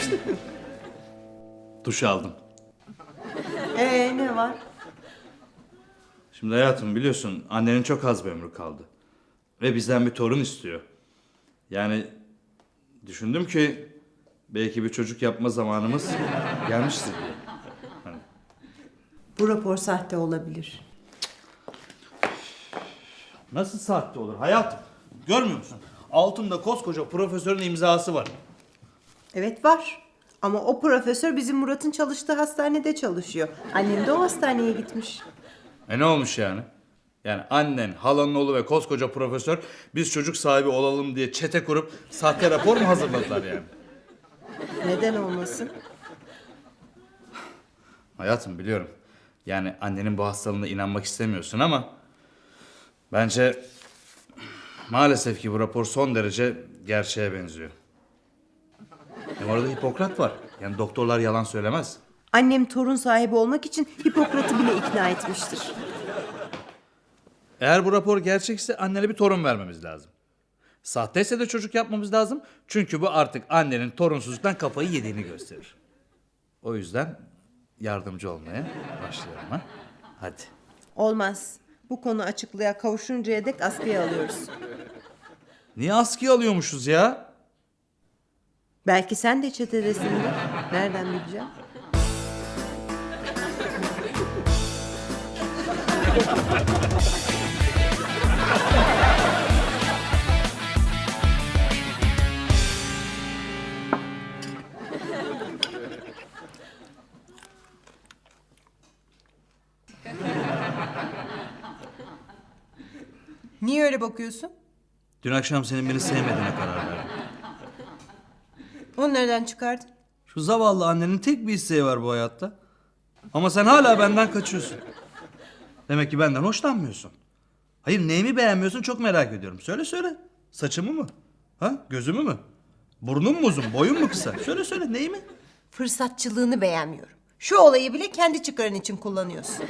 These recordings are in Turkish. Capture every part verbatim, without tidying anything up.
Duş aldım. Ee ne var? Şimdi hayatım biliyorsun annenin çok az bir ömrü kaldı. Ve bizden bir torun istiyor. Yani düşündüm ki belki bir çocuk yapma zamanımız gelmiştir diye. Hani. Bu rapor sahte olabilir. Nasıl sahte olur hayatım? Görmüyor musun? Altında koskoca profesörün imzası var. Evet var. Ama o profesör bizim Murat'ın çalıştığı hastanede çalışıyor. Annem de o hastaneye gitmiş. E ne olmuş yani? Yani annen, halanın oğlu ve koskoca profesör biz çocuk sahibi olalım diye çete kurup sahte rapor mu hazırladılar yani? Neden olmasın? Hayatım biliyorum. Yani annenin bu hastalığına inanmak istemiyorsun ama bence maalesef ki bu rapor son derece gerçeğe benziyor. Hem orada Hipokrat var. Yani doktorlar yalan söylemez. Annem torun sahibi olmak için Hipokrat'ı bile ikna etmiştir. Eğer bu rapor gerçekse annene bir torun vermemiz lazım. Sahteyse de çocuk yapmamız lazım. Çünkü bu artık annenin torunsuzluktan kafayı yediğini gösterir. O yüzden yardımcı olmaya başlayalım ha. Hadi. Olmaz. Bu konu açıklığa kavuşuncaya dek askıya alıyoruz. Niye askıya alıyormuşuz ya? Belki sen de çetedesindir. Nereden bileceğim? Niye öyle bakıyorsun? Dün akşam senin beni sevmediğine karar verdim. Onu nereden çıkardın? Şu zavallı annenin tek bir isteği var bu hayatta. Ama sen hala benden kaçıyorsun. Demek ki benden hoşlanmıyorsun. Hayır neyimi beğenmiyorsun çok merak ediyorum. Söyle söyle. Saçımı mı? Ha? Gözümü mü? Burnum mu uzun? Boyum mu kısa? Söyle söyle neyimi? Fırsatçılığını beğenmiyorum. Şu olayı bile kendi çıkarın için kullanıyorsun.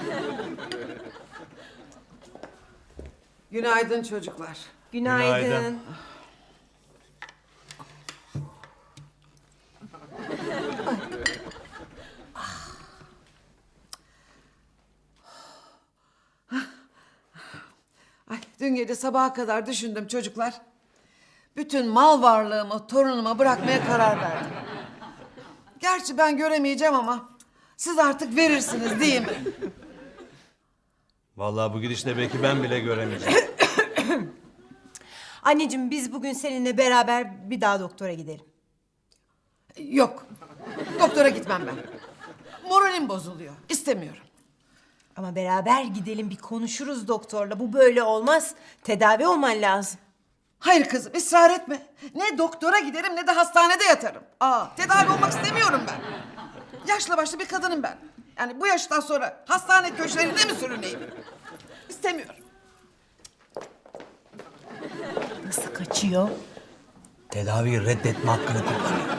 Günaydın çocuklar. Günaydın. Günaydın. Ay, dün gece sabaha kadar düşündüm çocuklar. Bütün mal varlığımı torunuma bırakmaya karar verdim. Gerçi ben göremeyeceğim ama siz artık verirsiniz değil mi? Vallahi bu gidişle belki ben bile göremeyeceğim. Anneciğim biz bugün seninle beraber bir daha doktora gidelim. Yok. Doktora gitmem ben. Moralim bozuluyor. İstemiyorum. Ama beraber gidelim bir konuşuruz doktorla. Bu böyle olmaz. Tedavi olman lazım. Hayır kızım ısrar etme. Ne doktora giderim ne de hastanede yatarım. Aa, tedavi olmak istemiyorum ben. Yaşlı başlı bir kadınım ben. Yani bu yaştan sonra hastane köşelerinde mi sürüneyim? İstemiyorum. Nasıl kaçıyor? Tedaviyi reddetme hakkını kullanıyor.